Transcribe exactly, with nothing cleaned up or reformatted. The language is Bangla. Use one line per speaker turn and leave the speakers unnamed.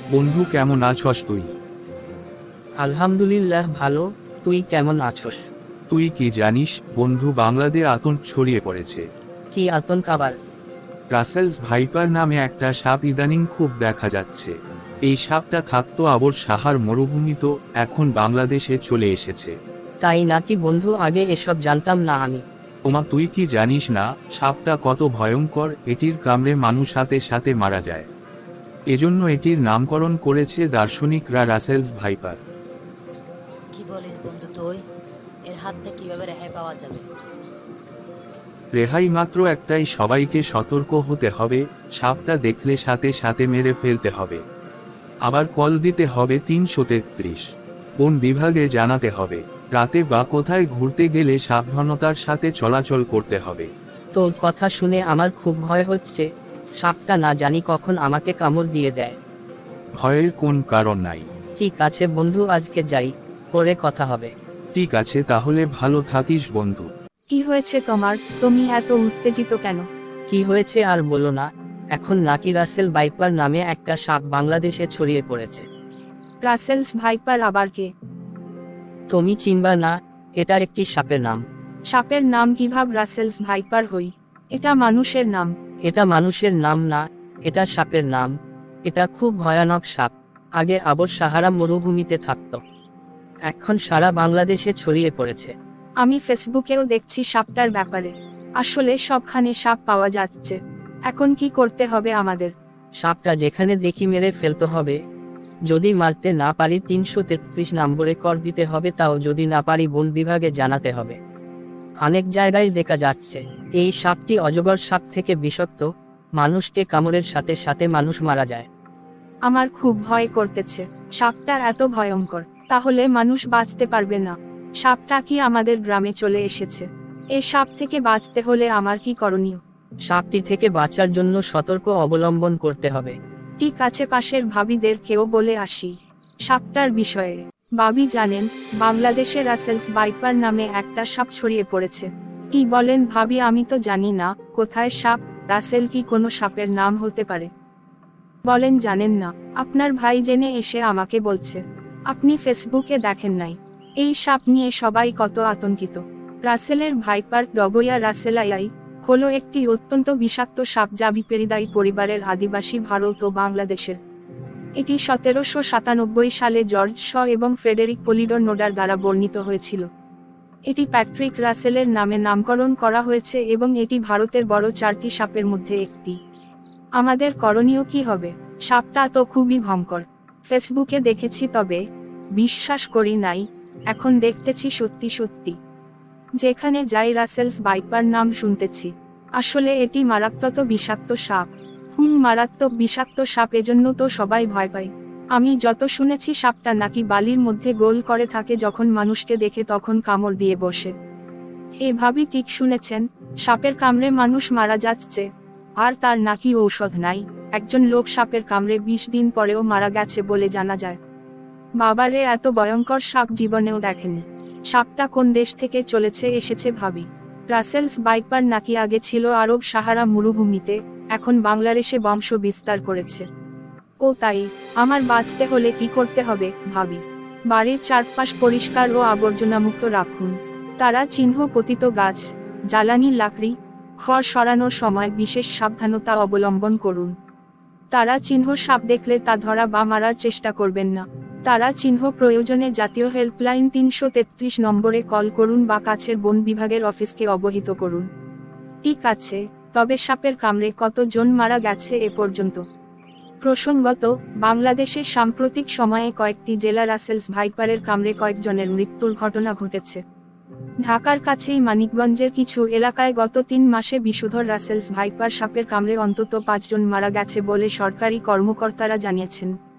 বন্ধু, কেমন আছস তুই?
আলহামদুলিল্লাহ ভালো। তুই কেমন আছস?
তুই কি জানিস বন্ধু, বাংলাদেশে আতঙ্ক ছড়িয়ে পড়েছে।
কি আতঙ্ক আবার?
রাসেলস ভাইপার নামে একটা সাপ ইদানিং খুব দেখা যাচ্ছে। এই সাপটা থাকতো আবর সাহার মরুভূমিতে, এখন বাংলাদেশে চলে এসেছে।
তাই নাকি বন্ধু? আগে এসব জানতাম না আমি।
ওমা, তুই কি জানিস না সাপটা কত ভয়ঙ্কর? এটির কামড়ে মানুষ সাথে সাথে মারা যায়। এজন্য এটির নামকরণ করেছে দার্শনিকরা রাসেলস ভাইপার।
কি বলিস বন্ধু তুই? এর হাত থেকে কিভাবে রেহাই পাওয়া যাবে?
রেহাই মাত্র একটাই, সবাইকে সতর্ক হতে হবে। সাপটা দেখলে সাথে সাথে মেরে ফেলতে হবে। আবার কল দিতে হবে তিনশো তেত্রিশ। বন বিভাগে জানাতে হবে। রাতে বা কোথায় ঘুরতে গেলে সাবধানতার সাথে চলাচল করতে হবে।
তোর কথা শুনে আমার খুব ভয় হচ্ছে। সাপটা না জানি কখন আমাকে কামড় দিয়ে দেয়।
ভয়ের কোন কারণ নাই।
ঠিক আছে বন্ধু, আজকে যাই, পরে কথা হবে।
ঠিক আছে, তাহলে ভালো থাকিস বন্ধু।
কি হয়েছে তোমার? তুমি এত উত্তেজিত কেন?
কি হয়েছে আর বলো না। এখন নাকি রাসেল ভাইপার নামে একটা সাপ বাংলাদেশে ছড়িয়ে পড়েছে।
রাসেলস ভাইপার আবার কে?
তুমি চিনবা না? এটা একটি সাপের নাম।
সাপের নাম কিভাবে রাসেলস ভাইপার হই? এটা মানুষের নাম।
এটা মানুষের নাম না, এটা সাপের নাম। এটা খুব ভয়ানক সাপ। আগে আবর সাহারা মরুভূমিতে থাকত, এখন সারা বাংলাদেশে ছড়িয়ে পড়েছে।
আমি ফেসবুকেও দেখছি সাপটার ব্যাপারে। আসলে সবখানে সাপ পাওয়া যাচ্ছে। এখন কি করতে হবে আমাদের?
সাপটা যেখানে দেখি মেরে ফেলতে হবে। যদি মারতে না পারি তিনশো তেত্রিশ নম্বরে কর দিতে হবে, তাও যদি না পারি বন বিভাগে জানাতে হবে। অনেক জায়গায় দেখা যাচ্ছে এই সাপটি অজগর সাপ থেকে বিষাক্ত। মানুষকে কামড়ের সাথে সাথে মানুষ মারা যায়।
আমার খুব ভয় করতেছে। সাপটা এত ভয়ঙ্কর, তাহলে মানুষ বাঁচতে পারবে না। সাপটা কি আমাদের গ্রামে চলে এসেছে? এই সাপ থেকে বাঁচতে হলে আমার কি করণীয়?
সাপটি থেকে বাঁচার জন্য সতর্ক অবলম্বন করতে হবে।
ঠিক আছে, পাশের ভাবিদের কেউ বলে আসি সাপটার বিষয়ে। ভাবি জানেন, বাংলাদেশে রাসেলস ভাইপার নামে একটা সাপ ছড়িয়ে পড়েছে। কি বলেন ভাবি? আমি তো জানি না। কোথায় সাপ? রাসেল কি কোনো সাপের নাম হতে পারে? বলেন জানেন না? আপনার ভাই জেনে এসে আমাকে বলছে। আপনি ফেসবুকে দেখেন নাই? এই সাপ নিয়ে সবাই কত আতঙ্কিত। রাসেলের ভাইপার ডবইয়া রাসেলাইয়াই হলো একটি অত্যন্ত বিষাক্ত সাপ, যা ভিপেরিদাই পরিবারের আদিবাসী ভারত ও বাংলাদেশের। এটি সতেরোশো সাতানব্বই সালে জর্জ শ এবং ফ্রেডেরিক পলিডোর নোডার দ্বারা বর্ণিত হয়েছিল। এটি প্যাট্রিক রাসেলের নামে নামকরণ করা হয়েছে এবং এটি ভারতের বড় চারটি সাপের মধ্যে একটি। আমাদের করণীয় কি হবে? সাপটা তো খুবই ভয়ঙ্কর। ফেসবুকে দেখেছি, তবে বিশ্বাস করি নাই। এখন দেখতেছি সত্যি সত্যি। যেখানে যাই রাসেলস ভাইপার নাম শুনতেছি। আসলে এটি মারাত্মক বিষাক্ত সাপ। হুম, মারাত্মক বিষাক্ত সাপ, এজন্য তো সবাই ভয় পায়। আমি যত শুনেছি সাপটা নাকি বালির মধ্যে গোল করে থাকে, যখন মানুষকে দেখে তখন কামড় দিয়ে বসে। এভাবে ঠিক শুনেছেন, সাপের কামড়ে মানুষ মারা যাচ্ছে, আর তার নাকি ঔষধ নাই। একজন লোক সাপের কামড়ে বিশ দিন পরেও মারা গেছে বলে জানা যায়। বাবারে, এত ভয়ঙ্কর সাপ জীবনেও দেখেনি। সাপটা কোন দেশ থেকে চলেছে এসেছে ভাবি। রাসেলস ভাইপার নাকি আগে ছিল আরব সাহারা মরুভূমিতে, এখন বাংলাদেশে বংশ বিস্তার করেছে। ও তাই, আমার বাঁচতে হলে কি করতে হবে ভাবি? বাড়ির চারপাশ পরিষ্কার ও আবর্জনামুক্ত রাখুন। তারা চিহ্ন পতিত গাছ, জ্বালানি লাকড়ি, খড় সরানোর সময় বিশেষ সাবধানতা অবলম্বন করুন। তারা চিহ্ন সাপ দেখলে তা ধরা বা মারার চেষ্টা করবেন না। তারা চিহ্ন প্রয়োজনে জাতীয় হেল্পলাইন তিনশো তেত্রিশ নম্বরে কল করুন বা কাছের বন বিভাগের অফিসকে অবহিত করুন। ঠিক আছে, তবে সাপের কামড়ে কতজন মারা গেছে এ পর্যন্ত? প্রসঙ্গত, বাংলাদেশে সাম্প্রতিক সময়ে কয়েকটি জেলা রাসেলস ভাইপারের কামড়ে কয়েকজনের মৃত্যুর ঘটনা ঘটেছে। ঢাকার কাছেই মানিকগঞ্জের কিছু এলাকায় গত তিন মাসে বিষধর রাসেলস ভাইপার সাপের কামড়ে অন্তত পাঁচজন মারা গেছে বলে সরকারি কর্মকর্তারা জানিয়েছেন।